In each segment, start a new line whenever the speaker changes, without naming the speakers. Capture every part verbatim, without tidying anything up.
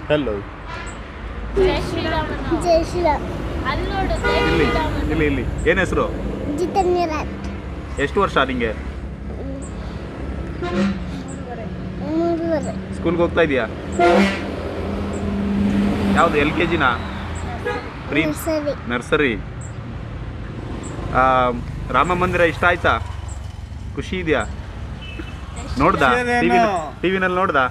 Hello.
ಜೈ ಶ್ರೀರಾಮ್.
ಜೈ ಶ್ರೀರಾಮ್.
ಅಲ್ಲಿ ನೋಡು ಜೈ
ಇಲ್ಲಿ
ಶ್ರೀರಾಮ್.
ಇಲ್ಲಿ ಇಲ್ಲಿ ಏನು ಹೆಸರು?
ಜಿತನ್ಯ ರಾಟ್.
ಎಷ್ಟು ವರ್ಷ ನಿಂಗೆ?
ಮೂರುವರೆ.
ಸ್ಕೂಲ್ಗೆ ಹೋಗ್ತಾ ಇದೆಯಾ? ಯಾವುದು ಎಲ್ ಕೆ ಜಿನಾ? Pre
nursery.
ನರ್ಸರಿ. ರಾಮ ಮಂದಿರ ಇಷ್ಟ ಆಯ್ತಾ? ಖುಷಿ ಇದೆಯಾ? ನೋಡ್ದಾ ಟಿ ವಿನಲ್ಲಿ ನೋಡ್ದಾ?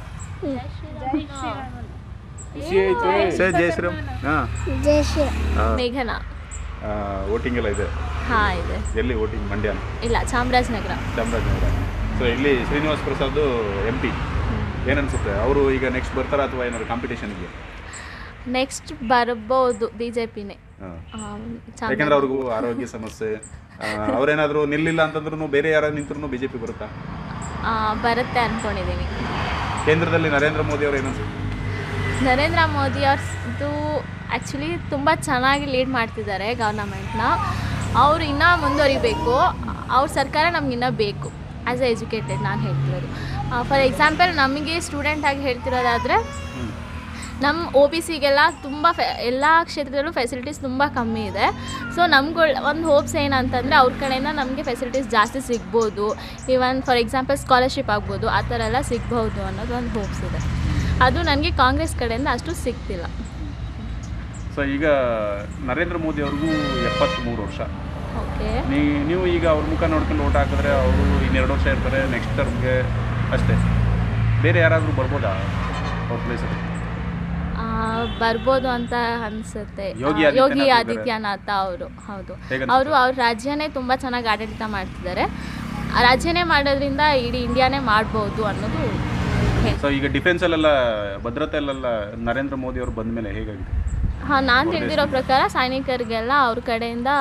ಸರ್ ಜೈ ಶ್ರೀರಾಮ್. ಹಾಂ
ಜೈ ಶ್ರೀರಾಮ್.
ಮೇಘನಾ.
ವೋಟಿಂಗ್ ಎಲ್ಲ ಇದೆ.
ಹಾ ಇದೆ.
ಎಲ್ಲಿ ವೋಟಿಂಗ್? ಮಂಡ್ಯ?
ಇಲ್ಲ, ಚಾಮರಾಜನಗರ.
ಚಾಮರಾಜನಗರ. ಸೊ ಇಲ್ಲಿ ಶ್ರೀನಿವಾಸ್ ಪ್ರಸಾದ್ ಎಂ ಪಿ. ಏನನ್ಸುತ್ತೆ ಅವರು ಈಗ ನೆಕ್ಸ್ಟ್ ಬರ್ತಾರಾ ಅಥವಾ ಏನಾದ್ರು ಕಾಂಪಿಟೇಷನ್ಗೆ?
ನೆಕ್ಸ್ಟ್ ಬರ್ಬೋದು ಬಿ ಜೆ ಪಿನೇ.
ಯಾಕಂದ್ರೆ ಅವ್ರಿಗೂ ಆರೋಗ್ಯ ಸಮಸ್ಯೆ. ಅವ್ರೇನಾದ್ರು ನಿಲ್ಲಿಲ್ಲ ಅಂತಂದ್ರೂ ಬೇರೆ ಯಾರು ನಿಂತ್ರು ಬಿ ಜೆ ಪಿ ಬರುತ್ತಾ?
ಬರುತ್ತೆ ಅಂದ್ಕೊಂಡಿದ್ದೀನಿ.
ಕೇಂದ್ರದಲ್ಲಿ ನರೇಂದ್ರ ಮೋದಿ ಅವರು ಏನನ್ಸುತ್ತೆ?
ನರೇಂದ್ರ ಮೋದಿ ಅವ್ರದ್ದು ಆ್ಯಕ್ಚುಲಿ ತುಂಬ ಚೆನ್ನಾಗಿ ಲೀಡ್ ಮಾಡ್ತಿದ್ದಾರೆ ಗೌರ್ನಮೆಂಟ್ನ. ಅವರು ಇನ್ನೂ ಮುಂದುವರಿಬೇಕು. ಅವ್ರ ಸರ್ಕಾರ ನಮಗಿನ್ನೂ ಬೇಕು. ಆ್ಯಸ್ ಎ ಎಜುಕೇಟೆಡ್ ನಾನು ಹೇಳ್ತಿರೋದು. ಫಾರ್ ಎಕ್ಸಾಂಪಲ್ ನಮಗೆ ಸ್ಟೂಡೆಂಟಾಗಿ ಹೇಳ್ತಿರೋದಾದರೆ ನಮ್ಮ ಒ ಬಿ ಸಿಗೆಲ್ಲ ತುಂಬ ಫೆ ಎಲ್ಲ ಕ್ಷೇತ್ರದಲ್ಲೂ ಫೆಸಿಲಿಟೀಸ್ ತುಂಬ ಕಮ್ಮಿ ಇದೆ. ಸೊ ನಮ್ಗಳು ಒಂದು ಹೋಪ್ಸ್ ಏನಂತಂದರೆ ಅವ್ರ ಕಡೆಯಿಂದ ನಮಗೆ ಫೆಸಿಲಿಟೀಸ್ ಜಾಸ್ತಿ ಸಿಗ್ಬೋದು. ಈವನ್ ಫಾರ್ ಎಕ್ಸಾಂಪಲ್ ಸ್ಕಾಲರ್ಶಿಪ್ ಆಗ್ಬೋದು, ಆ ಥರ ಎಲ್ಲ ಸಿಗ್ಬೋದು ಅನ್ನೋದು ಒಂದು ಹೋಪ್ಸ್ ಇದೆ. ಅದು ನನಗೆ ಕಾಂಗ್ರೆಸ್ ಕಡೆಯಿಂದ ಅಷ್ಟು ಸಿಗ್ತಿಲ್ಲ.
ಸೊ ಈಗ ನರೇಂದ್ರ ಮೋದಿ ಅವ್ರಿಗೂ ಎಪ್ಪತ್ತ್ಮೂರು ವರ್ಷ.
ಓಕೆ.
ನೀ ನೀವು ಈಗ ಅವ್ರ ಮುಖ ನೋಡ್ಕೊಂಡು ಓಟ್ ಹಾಕಿದ್ರೆ ಅವರು ಇನ್ನೆರಡು ವರ್ಷ ಇರ್ತಾರೆ, ನೆಕ್ಸ್ಟ್ ಟರ್ಮ್ಗೆ ಅಷ್ಟೇ. ಬೇರೆ ಯಾರಾದರೂ ಬರ್ಬೋದಾ ಅವ್ರ ಪ್ಲೇಸಲ್ಲಿ?
ಬರ್ಬೋದು ಅಂತ ಅನಿಸುತ್ತೆ.
ಯೋಗಿ
ಯೋಗಿ ಆದಿತ್ಯನಾಥ ಅವರು. ಹೌದು, ಅವರು ಅವ್ರ ರಾಜ್ಯನೇ ತುಂಬ ಚೆನ್ನಾಗಿ ಆಡಳಿತ ಮಾಡ್ತಿದ್ದಾರೆ. ರಾಜ್ಯನೇ ಮಾಡೋದ್ರಿಂದ ಇಡೀ ಇಂಡಿಯಾನೇ ಮಾಡ್ಬೋದು ಅನ್ನೋದು.
ಸೊ ಈಗ ಡಿಫೆನ್ಸಲ್ಲೆಲ್ಲ ಭದ್ರತೆಯಲ್ಲೆಲ್ಲ ನರೇಂದ್ರ ಮೋದಿ ಅವರು ಬಂದ ಮೇಲೆ ಹೇಗಾಗಿದೆ?
ಹಾಂ, ನಾನು ತಿಳಿದಿರೋ ಪ್ರಕಾರ ಸೈನಿಕರಿಗೆಲ್ಲ ಅವ್ರ ಕಡೆಯಿಂದ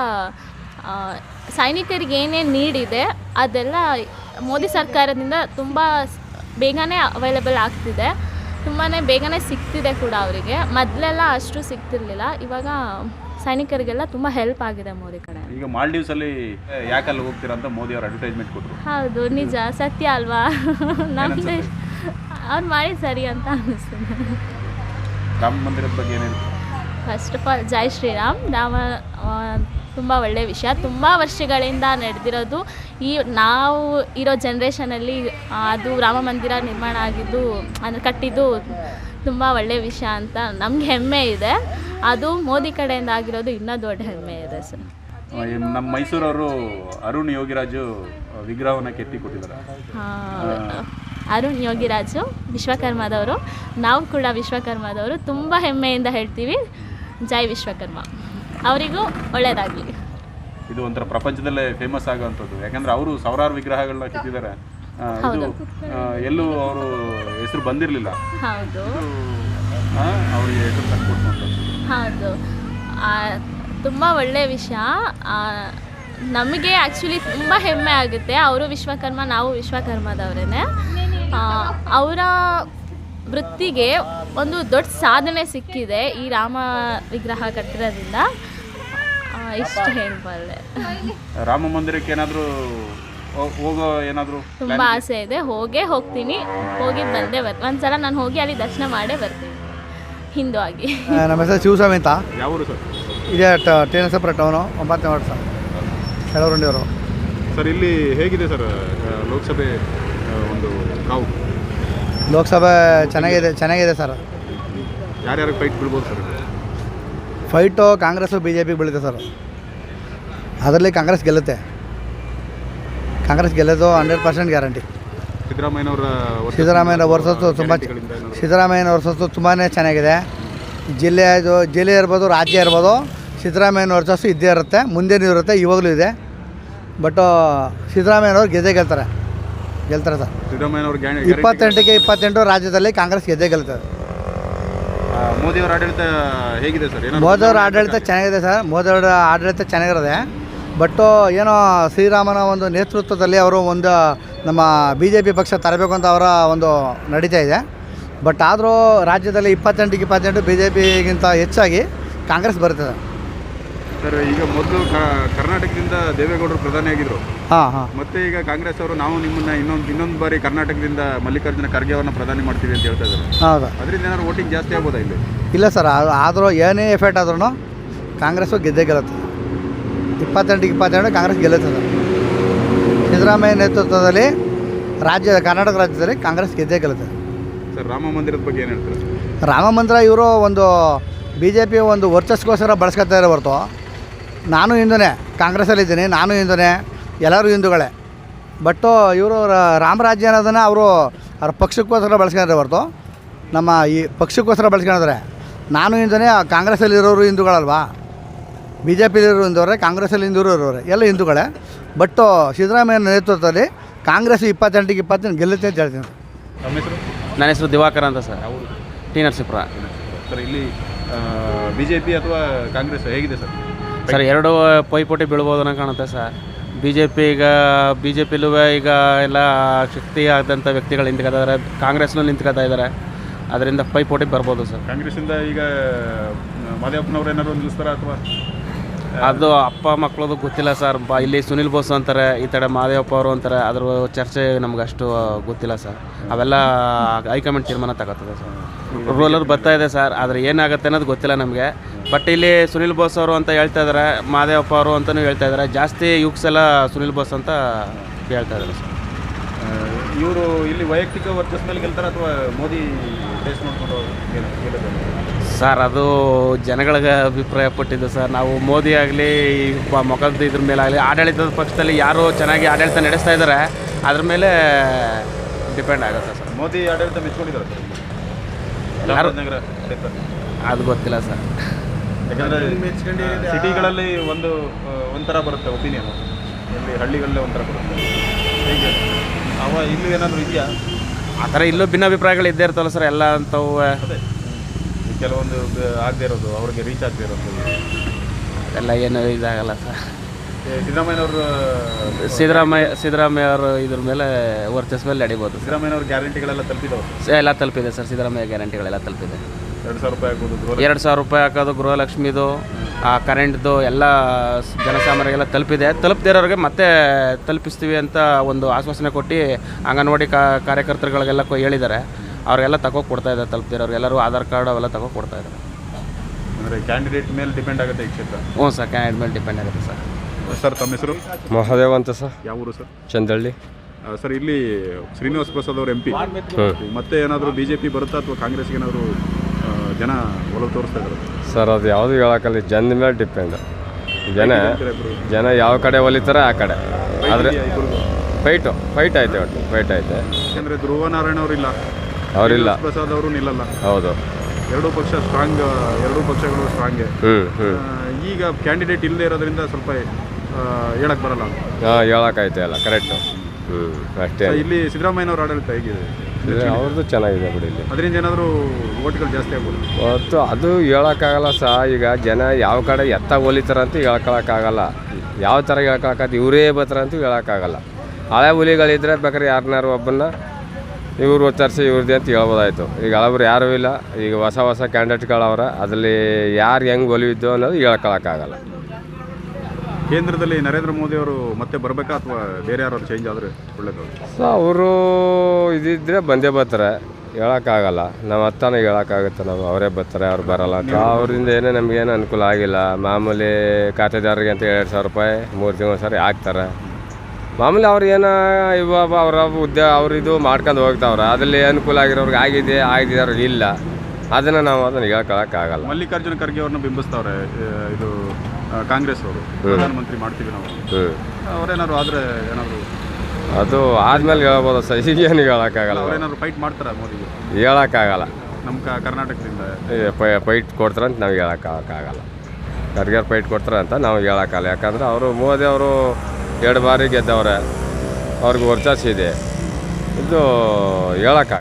ಸೈನಿಕರಿಗೆ ಏನೇನು ನೀಡಿದೆ ಅದೆಲ್ಲ ಮೋದಿ ಸರ್ಕಾರದಿಂದ ತುಂಬ ಬೇಗನೆ ಅವೈಲೇಬಲ್ ಆಗ್ತಿದೆ. ತುಂಬಾ ಬೇಗನೆ ಸಿಗ್ತಿದೆ ಕೂಡ ಅವರಿಗೆ. ಮೊದಲೆಲ್ಲ ಅಷ್ಟು ಸಿಗ್ತಿರ್ಲಿಲ್ಲ. ಇವಾಗ ಸೈನಿಕರಿಗೆಲ್ಲ ತುಂಬ ಹೆಲ್ಪ್ ಆಗಿದೆ ಮೋದಿ ಕಡೆ.
ಈಗ ಮಾಲ್ಡೀವ್ಸಲ್ಲಿ ಯಾಕಲ್ಲಿ ಹೋಗ್ತೀರಾ ಅಂತ ಮೋದಿ ಅವರು ಅಡ್ವರ್ಟೈಸ್ಮೆಂಟ್ ಕೊಟ್ಟರು.
ಹೌದು, ನಿಜ, ಸತ್ಯ ಅಲ್ವಾ? ನಮ್ಮದೇ ಅವ್ರು ಮಾಡಿ ಸರಿ ಅಂತ ಅನ್ನಿಸ್ತದೆ.
ರಾಮ ಮಂದಿರದ ಬಗ್ಗೆ ಏನೇನು?
ಫಸ್ಟ್ ಆಫ್ ಆಲ್ ಜೈ ಶ್ರೀರಾಮ್. ರಾಮ ತುಂಬ ಒಳ್ಳೆಯ ವಿಷಯ. ತುಂಬ ವರ್ಷಗಳಿಂದ ನಡೆದಿರೋದು. ಈ ನಾವು ಇರೋ ಜನ್ರೇಷನಲ್ಲಿ ಅದು ರಾಮ ಮಂದಿರ ನಿರ್ಮಾಣ ಆಗಿದ್ದು ಅಂದರೆ ಕಟ್ಟಿದ್ದು ತುಂಬ ಒಳ್ಳೆಯ ವಿಷಯ ಅಂತ ನಮ್ಗೆ ಹೆಮ್ಮೆ ಇದೆ. ಅದು ಮೋದಿ ಕಡೆಯಿಂದ ಆಗಿರೋದು ಇನ್ನೂ ದೊಡ್ಡ ಹೆಮ್ಮೆ ಇದೆ ಸರ್.
ನಮ್ಮ ಮೈಸೂರವರು ಅರುಣ್ ಯೋಗಿರಾಜು ವಿಗ್ರಹವನ್ನು ಕೆತ್ತಿ ಕೊಟ್ಟಿದ್ದಾರೆ.
ಹಾಂ, ಅರುಣ್ ಯೋಗಿರಾಜು ವಿಶ್ವಕರ್ಮದವರು. ನಾವು ಕೂಡ ವಿಶ್ವಕರ್ಮದವರು. ತುಂಬ ಹೆಮ್ಮೆಯಿಂದ ಹೇಳ್ತೀವಿ ಜೈ ವಿಶ್ವಕರ್ಮ. ಅವರಿಗೂ ಒಳ್ಳೆಯದಾಗಲಿ.
ಇದು ಒಂಥರ ಪ್ರಪಂಚದಲ್ಲೇ ಫೇಮಸ್ ಆಗುವಂಥದ್ದು. ಯಾಕಂದರೆ ಅವರು ಸಾವಿರಾರು ವಿಗ್ರಹಗಳನ್ನ ಕೆತ್ತಿದ್ದಾರೆ. ಇದು ಎಲ್ಲೂ ಅವರು ಹೆಸರು ಬಂದಿರಲಿಲ್ಲ.
ಹೌದು,
ಅವರಿಗೆ ಹೆಸರು ತಂದುಕೊಟ್ಟು.
ಹೌದು, ತುಂಬ ಒಳ್ಳೆಯ ವಿಷಯ. ನಮಗೆ ಆ್ಯಕ್ಚುಲಿ ತುಂಬ ಹೆಮ್ಮೆ ಆಗುತ್ತೆ. ಅವರು ವಿಶ್ವಕರ್ಮ, ನಾವು ವಿಶ್ವಕರ್ಮದವರೇ. ಅವರ ವೃತ್ತಿಗೆ ಒಂದು ದೊಡ್ಡ ಸಾಧನೆ ಸಿಕ್ಕಿದೆ ಈ ರಾಮ ವಿಗ್ರಹ ಕಟ್ಟಿರೋದ್ರಿಂದ. ಇಷ್ಟು ಹೇಳ್ಬಲ್ಲೆ.
ರಾಮ ಮಂದಿರಕ್ಕೆ ಏನಾದರೂ ಹೋಗೋ ಏನಾದರೂ
ತುಂಬ ಆಸೆ ಇದೆ. ಹೋಗೇ ಹೋಗ್ತೀನಿ. ಹೋಗಿ ಬಂದೇ ಬರ್ತೀನಿ. ಒಂದು ಸಲ ನಾನು ಹೋಗಿ ಅಲ್ಲಿ ದರ್ಶನ ಮಾಡೇ ಬರ್ತೀನಿ ಹಿಂದೂ ಆಗಿ.
ನಮ್ಮ ಹೆಸರು ಶಿವಸ್ವಾಮಿ ಅಂತ.
ಯಾವ ಊರು ಸರ್?
ಇದೇ ಟಿ ಎನ್ ಸಪ್ರ ಟೌನು, ಒಂಬತ್ತನೇ ವಾರ್ಡ್ ಸರ್, ಕೆಲವರುಂಡಿಯವರು.
ಸರ್ ಇಲ್ಲಿ ಹೇಗಿದೆ ಸರ್ ಲೋಕಸಭೆ ಒಂದು ಕಾವು?
ಲೋಕಸಭೆ ಚೆನ್ನಾಗಿದೆ ಚೆನ್ನಾಗಿದೆ ಸರ್.
ಯಾರ್ಯಾರು ಫೈಟ್ ಬೀಳ್ಬೋದು sir?
Fight Congress B J P ಬೀಳುತ್ತೆ ಸರ್. ಅದರಲ್ಲಿ ಕಾಂಗ್ರೆಸ್ ಗೆಲ್ಲುತ್ತೆ. ಕಾಂಗ್ರೆಸ್ ಗೆಲ್ಲೋದು ಹಂಡ್ರೆಡ್ ಪರ್ಸೆಂಟ್ ಗ್ಯಾರಂಟಿ.
ಸಿದ್ದರಾಮಯ್ಯನವರ
ಸಿದ್ದರಾಮಯ್ಯನ ವರ್ಸಸ್ಸು ತುಂಬ ಸಿದ್ದರಾಮಯ್ಯನ ವರ್ಸಸ್ಸು ತುಂಬಾ ಚೆನ್ನಾಗಿದೆ. ಜಿಲ್ಲೆ ಇದು ಜಿಲ್ಲೆ ಇರ್ಬೋದು, ರಾಜ್ಯ ಇರ್ಬೋದು, ಸಿದ್ದರಾಮಯ್ಯನ ವರ್ಸಸ್ಸು ಇದ್ದೇ ಇರುತ್ತೆ, ಮುಂದೇನೂ ಇರುತ್ತೆ, ಇವಾಗಲೂ ಇದೆ. ಬಟ್ ಸಿದ್ದರಾಮಯ್ಯನವ್ರು ಗೆದ್ದೇ ಗೆಲ್ತಾರೆ ಗೆಲ್ತಾರೆ ಸರ್.
ಸಿದ್ದರಾಮಯ್ಯನವ್ರು
ಇಪ್ಪತ್ತೆಂಟಕ್ಕೆ ಇಪ್ಪತ್ತೆಂಟು ರಾಜ್ಯದಲ್ಲಿ ಕಾಂಗ್ರೆಸ್ ಗೆದ್ದೇ ಗೆಲ್ತದೆ.
ಮೋದಿಯವರ ಆಡಳಿತ ಹೇಗಿದೆ ಸರ್?
ಮೋದಿಯವರ ಆಡಳಿತ ಚೆನ್ನಾಗಿದೆ ಸರ್. ಮೋದಿಯವರ ಆಡಳಿತ ಚೆನ್ನಾಗಿರೋದೆ. ಬಟ್ಟು ಏನೋ ಶ್ರೀರಾಮನ ಒಂದು ನೇತೃತ್ವದಲ್ಲಿ ಅವರು ಒಂದು ನಮ್ಮ ಬಿ ಜೆ ಪಿ ಪಕ್ಷ ತರಬೇಕು ಅಂತ ಅವರ ಒಂದು ನಡೀತಾ ಇದೆ. ಬಟ್ ಆದರೂ ರಾಜ್ಯದಲ್ಲಿ ಇಪ್ಪತ್ತೆಂಟಕ್ಕೆ ಇಪ್ಪತ್ತೆಂಟು ಬಿ ಜೆ ಪಿಗಿಂತ ಹೆಚ್ಚಾಗಿ ಕಾಂಗ್ರೆಸ್ ಬರ್ತದೆ.
ಸರ್ ಈಗ ಮೊದಲು ಕರ್ನಾಟಕದಿಂದ ದೇವೇಗೌಡರು ಪ್ರಧಾನಿ ಆಗಿದ್ರು,
ಹಾಂ ಹಾಂ
ಮತ್ತೆ ಈಗ ಕಾಂಗ್ರೆಸ್ ಅವರು ನಾವು ನಿಮ್ಮನ್ನ ಇನ್ನೊಂದು ಇನ್ನೊಂದು ಬಾರಿ ಕರ್ನಾಟಕದಿಂದ ಮಲ್ಲಿಕಾರ್ಜುನ ಖರ್ಗೆ ಅವ್ರನ್ನ ಪ್ರಧಾನಿ ಮಾಡ್ತೀವಿ ಅಂತ ಹೇಳ್ತಾ ಇದ್ದಾರೆ.
ಹೌದಾ?
ಅದರಿಂದ ಏನಾದ್ರು ವೋಟಿಂಗ್ ಜಾಸ್ತಿ ಆಗ್ಬೋದಾ ಇಲ್ಲಿ?
ಇಲ್ಲ ಸರ್, ಆದರೂ ಏನೇ ಎಫೆಕ್ಟ್ ಆದ್ರೂ ಕಾಂಗ್ರೆಸ್ಸು ಗೆದ್ದೇ ಗೆಲ್ಲುತ್ತೆ. ಇಪ್ಪತ್ತೆಂಟಿಗೆ ಇಪ್ಪತ್ತೆರಡು ಕಾಂಗ್ರೆಸ್ ಗೆಲ್ಲುತ್ತೆ ಸರ್. ಸಿದ್ದರಾಮಯ್ಯ ನೇತೃತ್ವದಲ್ಲಿ ರಾಜ್ಯ ಕರ್ನಾಟಕ ರಾಜ್ಯದಲ್ಲಿ ಕಾಂಗ್ರೆಸ್ ಗೆದ್ದೇ ಗೆಲ್ಲುತ್ತೆ.
ಸರ್ ರಾಮ ಮಂದಿರದ ಬಗ್ಗೆ ಏನು ಹೇಳ್ತಾರೆ?
ರಾಮ ಮಂದಿರ ಇವರು ಒಂದು ಬಿ ಜೆ ಪಿ ಒಂದು ವರ್ಚಸ್ಗೋಸ್ಕರ ಬಳಸ್ಕೊತಾ ಇರೋ ಹೊರತು, ನಾನು ಹಿಂದೂನೇ, ಕಾಂಗ್ರೆಸ್ಸಲ್ಲಿದ್ದೀನಿ, ನಾನು ಹಿಂದೂನೇ, ಎಲ್ಲರೂ ಹಿಂದೂಗಳೇ. ಬಟ್ಟು ಇವರು ರಾಮರಾಜ್ಯ ಅನ್ನೋದನ್ನು ಅವರು ಅವ್ರ ಪಕ್ಷಕ್ಕೋಸ್ಕರ ಬಳಸ್ಕೊಂಡಿರೋ ಹೊರತು ನಮ್ಮ ಈ ಪಕ್ಷಕ್ಕೋಸ್ಕರ ಬಳಸ್ಕೊಂಡಿದ್ದಾರೆ. ನಾನು ಹಿಂದೂನೇ, ಕಾಂಗ್ರೆಸ್ಸಲ್ಲಿರೋರು ಹಿಂದೂಗಳಲ್ವಾ, ಬಿ ಜೆ ಪಿಲಿರೋ ಹಿಂದೂರೇ, ಕಾಂಗ್ರೆಸ್ಸಲ್ಲಿ ಹಿಂದೂರು ಇರೋರೆ, ಎಲ್ಲ ಹಿಂದೂಗಳೇ. ಬಟ್ಟು ಸಿದ್ದರಾಮಯ್ಯ ನೇತೃತ್ವದಲ್ಲಿ ಕಾಂಗ್ರೆಸ್ ಇಪ್ಪತ್ತೆಂಟಿಗೆ ಇಪ್ಪತ್ತೆಂಟು ಗೆಲ್ಲುತ್ತೆ ಅಂತ ಹೇಳ್ತೀನಿ.
ನಮ್ಮ ಹೆಸರು?
ನನ್ನ ಹೆಸರು ದಿವಾಕರ್ ಅಂತ ಸರ್. ಟಿ ನರಸೀಪುರ.
ಸರ್ ಇಲ್ಲಿ ಬಿ ಜೆ ಪಿ ಅಥವಾ ಕಾಂಗ್ರೆಸ್ ಹೇಗಿದೆ ಸರ್?
ಸರ್ ಎರಡು ಪೈಪೋಟಿ ಬೀಳ್ಬೋದು ಅನ್ನೋ ಕಾಣುತ್ತೆ ಸರ್. ಬಿ ಜೆ ಪಿ ಈಗ ಬಿ ಜೆ ಪಿಲೂ ಈಗ ಎಲ್ಲ ಶಕ್ತಿ ಆದಂಥ ವ್ಯಕ್ತಿಗಳು ನಿಂತ್ಕೊತಾರೆ, ಕಾಂಗ್ರೆಸ್ನೂ ನಿಂತ್ಕೊತಾ ಇದ್ದಾರೆ, ಅದರಿಂದ ಪೈಪೋಟಿ ಬರ್ಬೋದು ಸರ್.
ಕಾಂಗ್ರೆಸ್ಸಿಂದ ಈಗ ಮಾದೇವಪ್ಪನವ್ರು ಏನಾದ್ರು ನಿಲ್ಲಿಸ್ತಾರ ಅಥವಾ?
ಅದು ಅಪ್ಪ ಮಕ್ಕಳದು ಗೊತ್ತಿಲ್ಲ ಸರ್. ಬ ಇಲ್ಲಿ ಸುನಿಲ್ ಬೋಸ್ ಅಂತಾರೆ, ಈ ಕಡೆ ಮಾದೇವಪ್ಪ ಅವರು ಅಂತಾರೆ, ಅದ್ರ ಚರ್ಚೆ ನಮ್ಗೆ ಅಷ್ಟು ಗೊತ್ತಿಲ್ಲ ಸರ್. ಅವೆಲ್ಲ ಹೈಕಮಾಂಡ್ ತೀರ್ಮಾನ ತಗೋತದೆ ಸರ್. ರೂಲರ್ ಬರ್ತಾ ಇದೆ ಸರ್, ಆದರೆ ಏನಾಗುತ್ತೆ ಅನ್ನೋದು ಗೊತ್ತಿಲ್ಲ ನಮಗೆ. ಬಟ್ ಇಲ್ಲಿ ಸುನಿಲ್ ಬೋಸ್ ಅವರು ಅಂತ ಹೇಳ್ತಾ ಇದ್ದಾರೆ, ಮಾದೇವಪ್ಪ ಅವರು ಅಂತಲೂ ಹೇಳ್ತಾ ಇದ್ದಾರೆ. ಜಾಸ್ತಿ ಯುಕ್ಸ್ ಎಲ್ಲ ಸುನಿಲ್ ಬೋಸ್ ಅಂತ ಹೇಳ್ತಾ ಇದ್ದಾರೆ ಸರ್.
ಇವರು ಇಲ್ಲಿ ವೈಯಕ್ತಿಕ ವರ್ಚಸ್ ಮೇಲೆ ಗೆಲ್ತಾರೆ ಅಥವಾ ಮೋದಿ ಟೇಸ್ಟ್ ನೋಡ್ಕೊಂಡು
ಸರ್ ಅದು ಜನಗಳಿಗೆ ಅಭಿಪ್ರಾಯ ಪಟ್ಟಿದ್ದು ಸರ್. ನಾವು ಮೋದಿ ಆಗಲಿ ಮೊಕದ್ದು ಇದ್ರ ಮೇಲೆ ಆಗಲಿ ಆಡಳಿತದ ಪಕ್ಷದಲ್ಲಿ ಯಾರು ಚೆನ್ನಾಗಿ ಆಡಳಿತ ನಡೆಸ್ತಾ ಇದ್ದಾರೆ ಅದ್ರ ಮೇಲೆ ಡಿಪೆಂಡ್ ಆಗುತ್ತೆ ಸರ್.
ಮೋದಿ ಆಡಳಿತ ಮೆಚ್ಕೊಂಡಿದ್ದಾರೆ
ಯಾರು
ನಗರ
ಅದು ಗೊತ್ತಿಲ್ಲ ಸರ್.
ಯಾಕಂದರೆ ಸಿಟಿಗಳಲ್ಲಿ ಒಂದು ಒಂಥರ ಬರುತ್ತೆ ಒಪಿನಿಯನ್, ಇಲ್ಲಿ ಹಳ್ಳಿಗಳಲ್ಲೇ ಒಂಥರ ಬರುತ್ತೆ. ಹೀಗೆ ಅವ ಇಲ್ಲೂ ಏನಾದರೂ ಇದೆಯಾ
ಆ ಥರ ಇಲ್ಲೂ ಭಿನ್ನಾಭಿಪ್ರಾಯಗಳು ಇದ್ದೇ ಇರ್ತವಲ್ಲ ಸರ್. ಎಲ್ಲ ಅಂಥವು
ಅದೇ ಕೆಲವೊಂದು ಆಗದೆ ಇರೋದು, ಅವ್ರಿಗೆ ರೀಚ್ ಆಗದೆ ಇರೋದು,
ಎಲ್ಲ ಏನು ಇದಾಗಲ್ಲ ಸರ್.
ಸಿದ್ದರಾಮಯ್ಯನವರು
ಸಿದ್ದರಾಮಯ್ಯ ಸಿದ್ದರಾಮಯ್ಯ ಅವರು ಇದ್ರ ಮೇಲೆ ವರ್ಚಸ್ ಮೇಲೆ ನಡಿಬೋದು.
ಸಿದ್ದರಾಮಯ್ಯನವ್ರ ಗ್ಯಾರಂಟಿಗಳೆಲ್ಲ ತಲುಪಿದವು
ಎಲ್ಲ ತಲುಪಿದೆ ಸರ್. ಸಿದ್ದರಾಮಯ್ಯ ಗ್ಯಾರಂಟಿಗಳೆಲ್ಲ ತಲುಪಿದೆ.
ಎರಡು ಸಾವಿರ ರೂಪಾಯಿ ಹಾಕೋದು,
ಎರಡು ಸಾವಿರ ರೂಪಾಯಿ ಹಾಕೋದು, ಗೃಹಲಕ್ಷ್ಮಿದು, ಆ ಕರೆಂಟ್ದು ಎಲ್ಲ ಜನಸಾಮಾನ್ಯರಿಗೆಲ್ಲ ತಲುಪಿದೆ. ತಲುಪದೇ ಇರೋರಿಗೆ ಮತ್ತೆ ತಲುಪಿಸ್ತೀವಿ ಅಂತ ಒಂದು ಆಶ್ವಾಸನೆ ಕೊಟ್ಟು ಅಂಗನವಾಡಿ ಕಾರ್ಯಕರ್ತರುಗಳಿಗೆಲ್ಲ ಹೇಳಿದ್ದಾರೆ. ಅವರಿಗೆಲ್ಲ ತಗೋ ಕೊಡ್ತಾ ಇದ್ದಾರೆ. ತಲುಪದಿರೋರು ಎಲ್ಲರೂ ಆಧಾರ್ ಕಾರ್ಡ್ ಅವೆಲ್ಲ ತಗೋ ಕೊಡ್ತಾ ಇದ್ದಾರೆ.
ಅಂದರೆ ಕ್ಯಾಂಡಿಡೇಟ್ ಮೇಲೆ ಡಿಪೆಂಡ್ ಆಗುತ್ತೆ ಈ ಕ್ಷೇತ್ರ?
ಹ್ಞೂ ಸರ್, ಕ್ಯಾಂಡಿಡೇಟ್ ಮೇಲೆ ಡಿಪೆಂಡ್ ಆಗುತ್ತೆ ಸರ್.
ಸರ್ ತಮ್ಮ ಹೆಸರು?
ಮಹಾದೇವ ಅಂತ ಸರ್.
ಯಾವ ಊರು ಸರ್?
ಚಂದಳ್ಳಿ.
ಸರ್ ಇಲ್ಲಿ ಶ್ರೀನಿವಾಸ್ ಪ್ರಸಾದ್ ಅವರು ಎಂ ಪಿ, ಮತ್ತೆ ಏನಾದರೂ ಬಿ ಜೆ ಪಿ ಬರುತ್ತಾ ಅಥವಾ ಕಾಂಗ್ರೆಸ್ಗೆ ಏನಾದರೂ ಜನ ಒಲವು ತೋರಿಸ್ತಾ ಇದ್ದಾರೆ?
ಸರ್ ಅದು ಯಾವುದು ಹೇಳೋಕ್ಕಲ್ಲ, ಜನದ ಮೇಲೆ ಡಿಪೆಂಡ್. ಜನ ಜನ ಯಾವ ಕಡೆ ಒಲಿತಾರೆ ಆ ಕಡೆ. ಆದರೆ ಫೈಟು ಫೈಟ್ ಐತೆ, ಒಟ್ಟು ಫೈಟ್ ಐತೆ.
ಯಾಕೆಂದರೆ ಧ್ರುವ ನಾರಾಯಣ ಅವರಿಲ್ಲ,
ಅವರಿಲ್ಲ,
ಪ್ರಸಾದ್ ಅವರು ನಿಲ್ಲಲ್ಲ.
ಹೌದು,
ಎರಡೂ ಪಕ್ಷ ಸ್ಟ್ರಾಂಗ್, ಎರಡೂ ಪಕ್ಷಗಳು ಸ್ಟ್ರಾಂಗೆ.
ಹ್ಞೂ ಹ್ಞೂ
ಈಗ ಕ್ಯಾಂಡಿಡೇಟ್ ಇಲ್ಲದೆ ಇರೋದ್ರಿಂದ ಸ್ವಲ್ಪ ಹೇಳಕ್ಕೆ ಬರಲ್ಲ.
ಹಾಂ, ಹೇಳೋಕ್ಕೈತೆ ಅಲ್ಲ, ಕರೆಕ್ಟು. ಹ್ಞೂ ಅಷ್ಟೇ.
ಇಲ್ಲಿ ಸಿದ್ದರಾಮಯ್ಯನವ್ರ ಆಡಳಿತ ಹೇಗಿದೆ?
ಅವ್ರದ್ದು ಚೆನ್ನಾಗಿದೆ ಬಿಡಿ. ಇಲ್ಲಿ
ಅದರಿಂದ ಏನಾದರೂ ಓಟ್ಗಳು ಜಾಸ್ತಿ ಆಗ್ಬೋದು?
ಹೊತ್ತು ಅದು ಹೇಳೋಕ್ಕಾಗಲ್ಲ ಸಹ. ಈಗ ಜನ ಯಾವ ಕಡೆ ಎತ್ತ ಒಲಿತಾರೆ ಅಂತ ಹೇಳ್ಕೊಳಕ್ಕಾಗಲ್ಲ. ಯಾವ ಥರ ಹೇಳ್ಕೊಳಕ್ಕಾಗ ಇವರೇ ಬರ್ತಾರೆ ಅಂತ ಹೇಳೋಕ್ಕಾಗಲ್ಲ. ಹಳೆ ಹುಲಿಗಳಿದ್ರೆ ಬೇಕಾದ್ರೆ ಯಾರನ್ನಾರು ಒಬ್ಬನ್ನ ಇವ್ರು ಒತ್ತರಿಸಿ ಇವ್ರದ್ದೇ ಅಂತ ಹೇಳ್ಬೋದಾಯ್ತು. ಈಗ ಹಳಬ್ರು ಯಾರೂ ಇಲ್ಲ. ಈಗ ಹೊಸ ಹೊಸ ಕ್ಯಾಂಡಿಡೇಟ್ಗಳವ್ರ, ಅದರಲ್ಲಿ ಯಾರು ಹೆಂಗೆ ಒಲಿವಿದ್ದು ಅನ್ನೋದು ಹೇಳ್ಕೊಳಕ್ಕಾಗಲ್ಲ.
ಕೇಂದ್ರದಲ್ಲಿ ನರೇಂದ್ರ ಮೋದಿ ಅವರು ಮತ್ತೆ ಬರಬೇಕಾ ಅಥವಾ ಬೇರೆ ಯಾರು ಚೇಂಜ್ ಆದರೆ ಒಳ್ಳೇದು?
ಸೊ ಅವರು ಇದಿದ್ದರೆ ಬಂದೇ ಬರ್ತಾರೆ, ಹೇಳೋಕ್ಕಾಗಲ್ಲ. ನಾವು ಹತ್ತಾನ ಹೇಳೋಕ್ಕಾಗುತ್ತೆ. ನಾವು ಅವರೇ ಬರ್ತಾರೆ, ಅವ್ರು ಬರೋಲ್ಲ ಅಂತ. ಅವರಿಂದ ಏನೇ ನಮಗೇನು ಅನುಕೂಲ ಆಗಿಲ್ಲ. ಮಾಮೂಲಿ ಖಾತೆದಾರರಿಗೆ ಅಂತ ಎರಡು ಸಾವಿರ ರೂಪಾಯಿ ಮೂರು ತಿಂಗಳು ಸರಿ ಹಾಕ್ತಾರೆ. ಮಾಮೂಲಿ ಅವ್ರು ಏನೋ ಇವಾಗ ಅವರ ಹುದ್ದೆ ಅವ್ರಿದು ಮಾಡ್ಕೊಂಡು ಹೋಗ್ತಾವ್ರೆ. ಅದರಲ್ಲಿ ಅನುಕೂಲ ಆಗಿರೋರ್ಗೆ ಆಗಿದೆ, ಆಗಿದ್ದವ್ರಿಗೆ ಇಲ್ಲ. ಅದನ್ನು ನಾವು ಅದನ್ನು ಹೇಳ್ಕೊಳಕ್ಕಾಗಲ್ಲ.
ಮಲ್ಲಿಕಾರ್ಜುನ ಖರ್ಗೆ ಅವ್ರನ್ನ ಬಿಂಬಿಸ್ತಾವ್ರೆ ಇದು ಕಾಂಗ್ರೆಸ್ ಅವರು, ಪ್ರಧಾನಮಂತ್ರಿ ಮಾಡ್ತೀವಿ ನಾವು.
ಹ್ಞೂ
ಅವ್ರೇನಾದ್ರು ಆದರೆ ಏನಾದರೂ
ಅದು ಆದಮೇಲೆ ಹೇಳ್ಬೋದು ಸರ್. ಈಗೇನು ಹೇಳೋಕ್ಕಾಗಲ್ಲ.
ಅವ್ರೇನಾದ್ರು ಫೈಟ್ ಮಾಡ್ತಾರ ಮೋದಿಗೆ?
ಹೇಳೋಕ್ಕಾಗಲ್ಲ.
ನಮ್ಮ ಕ ಕರ್ನಾಟಕದಿಂದ
ಫೈಟ್ ಕೊಡ್ತಾರೆ ಅಂತ ನಾವು ಹೇಳೋಕ್ಕಾಗಲ್ಲ. ಖರ್ಗೆ ಫೈಟ್ ಕೊಡ್ತಾರೆ ಅಂತ ನಾವು ಹೇಳೋಕ್ಕಾಗಲ್ಲ. ಯಾಕಂದರೆ ಅವರು ಮೋದಿ ಅವರು ಎರಡು ಬಾರಿ ಗೆದ್ದವ್ರೆ, ಅವ್ರಿಗೆ ವರ್ಚಸ್ ಇದೆ. ಇದು ಹೇಳೋಕ್ಕಾಗಲ್ಲ.